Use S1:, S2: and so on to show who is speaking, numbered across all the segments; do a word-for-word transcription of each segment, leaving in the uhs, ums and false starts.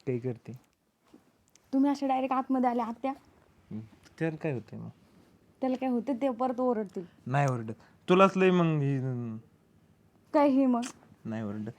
S1: काही करते.
S2: तुम्ही असे डायरेक्ट आतमध्ये आले आत्या,
S1: त्याला काय होतंय मग?
S2: त्याला काय होते ते परत ओरडतील.
S1: नाही ओरडत. तुलाच लय मग ही
S2: काय हे मग
S1: नाही ओरडत.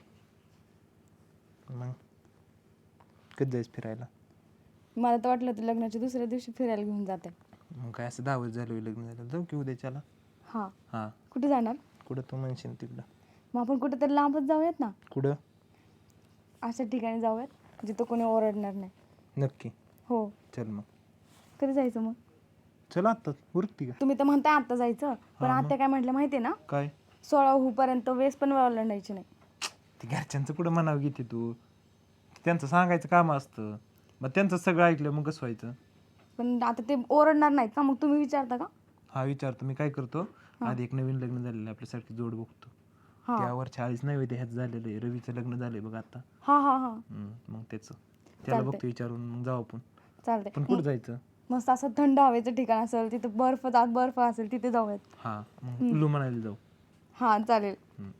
S1: मग कधी जायचं फिरायला?
S2: मला तर वाटलं होतं लग्नाच्या दुसऱ्या दिवशी फिरायला घेऊन जाते.
S1: मग काय असं दहा वर्ष झालं होय लग्न झालं, जाऊ की उद्याच्याला.
S2: हां
S1: हां
S2: कुठे जाणार?
S1: कुठं तू म्हणशील तिकडं.
S2: मग आपण कुठेतरी लांबच जाऊयात ना,
S1: कुठं?
S2: अशा ठिकाणी जाऊयात जिथं कोणी ओरडणार नाही.
S1: नक्की.
S2: हो.
S1: चल मग.
S2: कधी जायचं मग?
S1: चल आत्ताच उरकती का?
S2: तुम्ही तर म्हणताय आत्ता जायचं, पण
S1: हा, मग?
S2: आत्या काय म्हटलं माहिती आहे ना,
S1: काय?
S2: सोळा होऊपर्यंत वेस पण ओलांडायची नाही.
S1: ते घरच्यांचं कुठं म्हणावं घेते तू? त्यांचं सांगायचं काम असतं. मग त्यांचं सगळं ऐकलं मग कसं व्हायचं?
S2: पण आता ते ओरडणार नाहीत का, मग तुम्ही विचारता का?
S1: हा विचारतो मी. काय करतो, आधी एक नवीन लग्न झालेलं आहे आपल्यासारखी जोड बघतो.
S2: हां
S1: त्यावर चाळीस नव्हे ह्याच झालेलं आहे. रवीचं लग्न झालंय बघ आता.
S2: हां हां हां
S1: हम्म, मग त्याचं त्याला
S2: चालतंय.
S1: बघतो विचारून मग जाऊ आपण.
S2: चालतंय.
S1: पण कुठं जायचं?
S2: मस्त असं थंड हवेचं ठिकाण असेल, तिथे बर्फ आत बर्फ असेल तिथे जाऊयात.
S1: हा मग कुल्लू म्हणायला जाऊ.
S2: हां चालेल.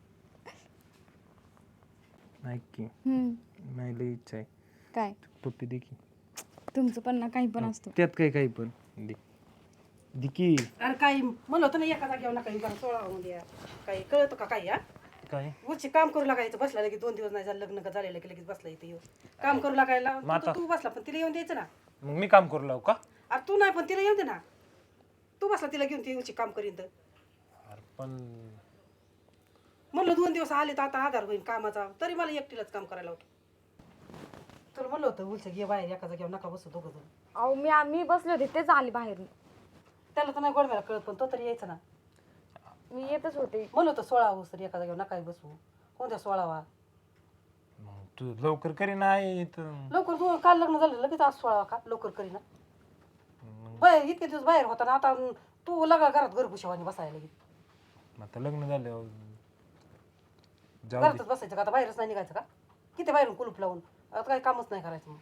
S1: ऐक की,
S2: हम्म.
S1: नाही लई इच्छा आहे.
S2: काय
S1: पप्पी दे की.
S2: तुमचं पण ना काही पण असतं.
S1: त्यात काही काही पण दे. दे की.
S3: अरे काही म्हणलं होतं ना एका जागेवर नका येऊ सोळा होऊन द्या. काही कळतं का काही हा
S1: काय?
S3: उची काम करू लागायचं बसला लगेच दोन दिवस नाही झालं लग्न का झालेलं की लगेच बसला इथे येऊ काम करू लागायला तू-
S1: आता-
S3: तू बसला पण तिला येऊन द्यायचं ना.
S1: मग मी काम करू लावू का?
S3: अरे तू नाही पण तिला येऊन दे ना. तू बसला तिला घेऊन ती उची काम करीन तर
S1: अरे पण
S3: म्हणलं दोन दिवस आले तर आता आधार होईल कामाचा तरी मला एकटीलाच काम करायला होतं. तुला म्हणलं होतं उलचं घे बाहेर एका जागेवर नका बसू दोघं जण.
S2: अहो मी मी बसले होते तेच आले बाहेर.
S3: त्याला तर नाही गोडव्याला कळत पण तो तरी यायचा ना.
S2: मी येतच होते.
S3: म्हणलं होतं सोळा होस तरी एका जागेवर नका बसू कोणत्या सोळावा
S1: मग तू लवकर करी नाही तर
S3: लवकर तू काल लग्न झालं लगेच आज सोळावा का लवकर करीना. बाहेर इतके दिवस बाहेर होता ना आता तू लगा घरात घरभुशावानी बसायला लगेच.
S1: आता लग्न झालं जाऊ
S3: घरातच बसायचं का आता बाहेरच नाही निघायचं का किती बाहेरून कुलूप लावून आता काही कामच नाही करायचं मग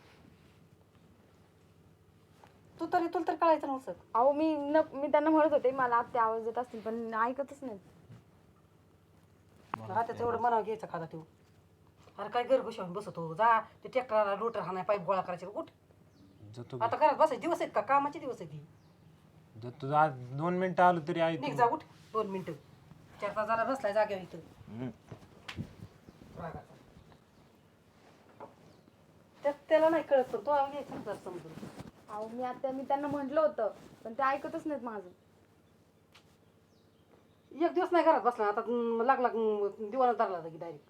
S3: तू तरी तुला तरी कळायचं नव्हतं.
S2: अहो मी न मी त्यांना म्हणत होते मला आत्या आवाज देत असतील पण ऐकतच नाहीत.
S3: आता तेवढं मनावर घ्यायचं खादा ठेवू. अरे काय घरभुशावून बसतो जा ते ट्रॅक्टरला रोटर हाणाय पाईप गोळा करायचे उठ
S1: जातो
S3: आता घरात बसायचे दिवस आहेत का कामाचे दिवस आहेत ही.
S1: जातो आज दोन मिनिटं आलो तरी आहे
S3: निघ जा उठ दोन मिनिटं चार तास झाला बसलाय जागेवर इथं रागाचा. त्या- त्याला नाही कळत पण तो घ्यायचं ना जरा समजून.
S2: अहो मी आत्या मी त्यांना म्हटलं होतं पण ते ऐकतच नाहीत माझं.
S3: एक दिवस नाही घरात बसला आता अं, लागला अं, दिवाला धरला की डायरेक्ट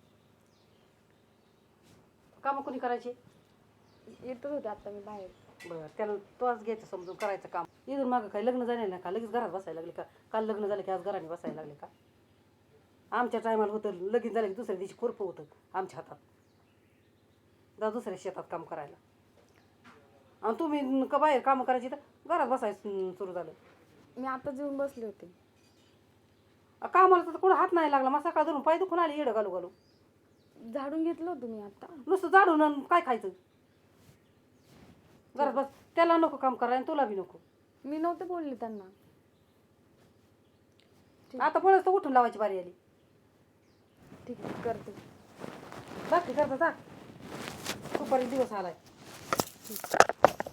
S3: कामं कोणी करायची.
S2: येतच होते आता मी बाहेर.
S3: बरं त्याला तोच घ्यायचं समजून करायचं काम. इथून मागं काही लग्न झाले ना का लगेच घरात बसायला लागले का काल लग्न झालं की आज घराने बसायला लागले का. आमच्या टायमाला होतं लगीन झालं की दुसऱ्या दिवशी खुरपं होतं आमच्या हातात जा दुसऱ्या शेतात काम करायला आणि तुम्ही का बाहेर कामं करायची तर घरात बसायचं सुरू झालं.
S2: मी आताच येऊन बसले होते.
S3: अ, कामाला तर कुठं हात नाही लागला मग सकाळ धरून पाय दुखून आली येडं घालू घालू
S2: झाडून घेतलं होतं मी आता.
S3: नुसतं झाडून आणि काय खायचं घरात बस. त्याला नको काम करायला आणि तुला बी नको.
S2: मी नव्हते बोलले त्यांना.
S3: आता परत तर उठून लावायची बारी आली.
S2: ठीक आहे करते.
S3: बाकी करता जा दुपारी दिवस आलाय.